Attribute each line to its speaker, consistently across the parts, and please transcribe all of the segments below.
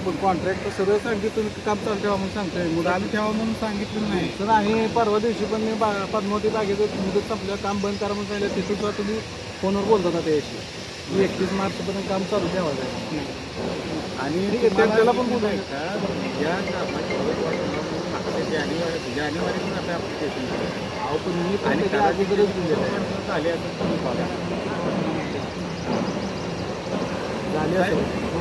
Speaker 1: पण कॉन्ट्रॅक्ट सरळ सांगितलं तुम्ही काम चालू ठेवा म्हणून सांगतोय
Speaker 2: चालू ठेवा म्हणून सांगितलं नाही.
Speaker 1: सर आहे परवा दिवशी पण मी पद्मावती बागेचं मुदत संपलं काम बंद करा म्हणून सांगितलं तिथून सुद्धा तुम्ही फोनवर बोलत होता त्याशी की 31 मार्चपर्यंत काम चालू ठेवायचं आहे.
Speaker 2: आणि
Speaker 1: ठीक आहे, त्याला पण बोलू आहे.
Speaker 2: या जानेवारी पण आपल्या ॲप्लिकेशन
Speaker 1: अहो पण मी पण
Speaker 2: आणि
Speaker 1: त्याच्या अगोदरच दिलेलं आहे.
Speaker 2: झाले असं तुम्ही बघा.
Speaker 1: झाले असेल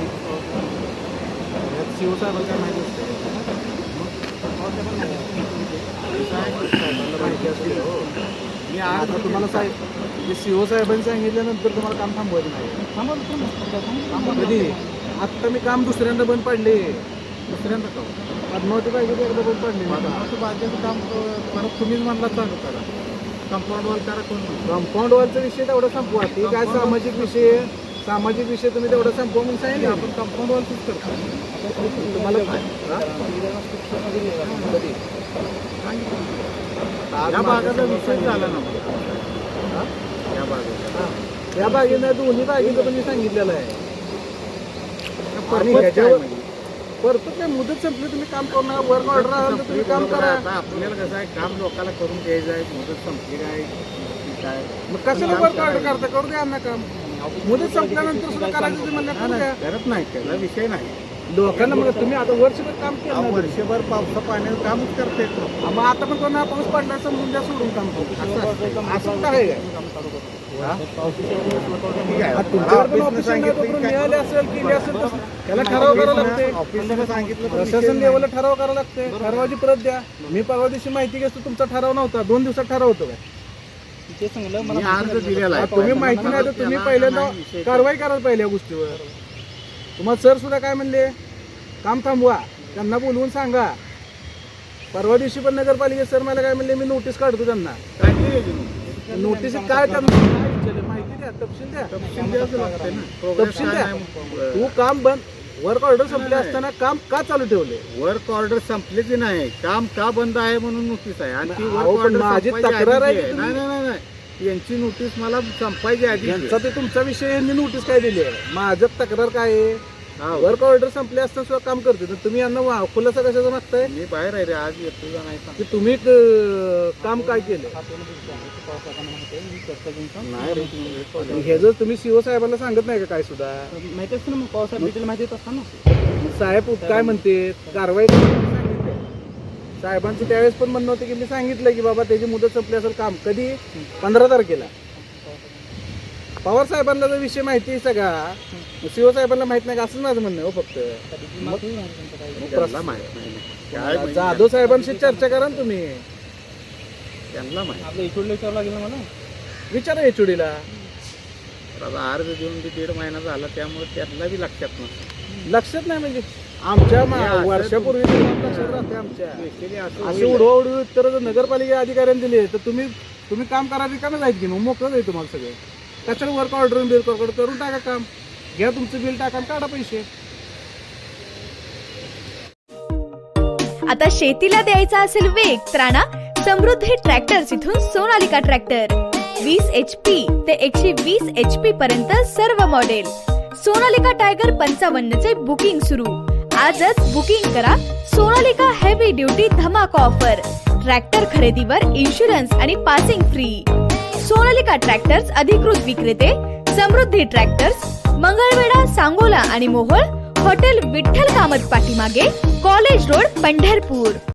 Speaker 1: शिव साहेबांना काय माहिती असते साहेबांना माहिती असेल हो. मी आता तुम्हाला साहेब शिव साहेबांनी सांगितल्यानंतर तुम्हाला काम थांबवायचं नाही. कधी आत्ता मी काम दुसऱ्यांदा बंद पाडले. दुसऱ्यांदा का पद्मावती पाहिजे एकदा बंद पाडले.
Speaker 2: पद्मावती बागेचं काम परत तुम्हीच म्हणला चालू करा. कंपाऊंड वॉल करा कोण
Speaker 1: कंपाऊंड वॉलचा विषय तेवढा संपवा. ते काय सामाजिक विषय तुम्ही तेवढा संपवा म्हणून सांगितलं.
Speaker 2: आपण कंपाऊंड वॉलच करतो.
Speaker 1: तुम्हाला
Speaker 2: या भागाचा विषय झाला ना या भागाचा.
Speaker 1: या बागेनं दोन्ही बागेचं पण मी सांगितलेलं आहे. आणि
Speaker 2: Purpose
Speaker 1: ह्याच्यावर
Speaker 2: काय
Speaker 1: परत काय मुदत संपली तुम्ही काम करू नका. वर्क ऑर्डर आलं तर तुम्ही काम करा.
Speaker 2: आता आपल्याला कसं आहे काम लोकांना करून द्यायचं आहे. मुदत संपली काय
Speaker 1: मग कशाला वर्क ऑर्डर करता करू द्या ना काम. मुदत संपल्यानंतर सुद्धा करायचं ते म्हणलं करू द्या.
Speaker 2: करत नाही त्याला विषय नाही.
Speaker 1: लोकांना मग तुम्ही आता वर्षभर काम केलं ना.
Speaker 2: वर्षभर पावसा पाण्याचं कामच करता येत नाही.
Speaker 1: मग आता पण कोणा पाऊस पडला समजून द्या सोडून काम करू. असं काय तुमच्यावर पण ऑफिसर मिळाले असेल केले असेल तर त्याला ठराव करावं लागते.
Speaker 2: ऑफिसला सांगितलं
Speaker 1: प्रशासन लेवलला ठराव करावं लागते. ठरावाची परत द्या. मी परवा दिवशी माहिती घेतो तुमचा ठराव नव्हता. 2 दिवसात ठराव होतो काय
Speaker 2: मी अर्ज दिलेला आहे.
Speaker 1: तुम्ही माहिती नाही तर तुम्ही पहिल्यांदा कारवाई कराल पहिल्या गोष्टीवर. तुम्हाला सर सुद्धा काय म्हणले काम थांबवा. त्यांना बोलवून सांगा. परवा दिवशी पण नगरपालिका सर मला काय म्हणले मी नोटीस काढतो त्यांना. नोटीस काय त्यांना माहिती द्या. तपशील द्या. तपशील द्या. तू काम बंद वर्क ऑर्डर संपले असताना काम का चालू ठेवले.
Speaker 2: वर्क ऑर्डर संपलेच नाही. काम का बंद आहे म्हणून नोटीस आहे. आणि ती वर्क
Speaker 1: अहो, पण
Speaker 2: ऑर्डर
Speaker 1: माझी
Speaker 2: संपायची
Speaker 1: तक्रार आहे
Speaker 2: आधीची
Speaker 1: की
Speaker 2: नाही नाही नाही नाही. यांची नोटीस मला संपायची आधी
Speaker 1: यांचा ते तुमचा विषय यांनी नोटीस काय दिली आहे. माझं तक्रार काय आहे वर्क ऑर्डर संपले असताना सुद्धा काम करते तर तुम्ही यांना खुलासा कशाचा मागताय.
Speaker 2: मी बाहेर आहे रे आज येतो का नाही
Speaker 1: की तुम्ही काम काय केलं. हे जर तुम्ही सीओ साहेबांना सांगत नाही का काय सुद्धा
Speaker 2: माहिती असतं ना. मग पावसाळ्यात डिटेल माहिती असताना
Speaker 1: साहेब काय म्हणते कारवाई सांगितलं. साहेबांचं त्यावेळेस पण म्हणणं होतं की मी सांगितलं की बाबा त्याची मुदत संपली असेल काम कधी 15 तारखेला. पवार साहेबांना जर विषय माहिती आहे सगळा सीओ साहेबांना माहित नाही का असंच माझं म्हणणं हो. फक्त जाधव साहेबांशी चर्चा करा ना तुम्ही.
Speaker 2: त्यांना माहिती विचारावं लागेल ना मला.
Speaker 1: विचारा एचओडीला.
Speaker 2: अर्ज देऊन 1.5 महिना झाला त्यामुळे त्यांना बी लक्षात नसतं.
Speaker 1: लक्षात नाही म्हणजे आमच्या वर्षापूर्वी लक्षात राहते आमच्या. असे उडवाउडवी उत्तर जर नगरपालिका अधिकाऱ्यांनी दिले तर तुम्ही काम करा रिकामं जायचं की मग मोकळं जाईल तुम्हाला सगळं. त्याच्यावर वर्क ऑर्डर बिल करून टाका काम. घ्या तुमचं बिल टाका काढा पैसे.
Speaker 3: आता शेतीला द्यायचा असेल वेग तर आणा समृद्धी ट्रॅक्टर्स इथून सोनालिका ट्रॅक्टर. 20 HP ते 120 HP पर्यंत सर्व मॉडेल. सोनालिका टायगर 55 चे बुकिंग सुरू. आजच बुकिंग करा. सोनालिका हेवी ड्युटी धमाका ऑफर. ट्रॅक्टर खरेदीवर इन्शुरन्स आणि पासिंग फ्री. सोनालिका ट्रॅक्टर्स अधिकृत विक्रेते समृद्धी ट्रॅक्टर्स, मंगळवेढा, सांगोला आणि मोहोळ. हॉटेल विठ्ठल कामत पाठीमागे, कॉलेज रोड, पंढरपूर.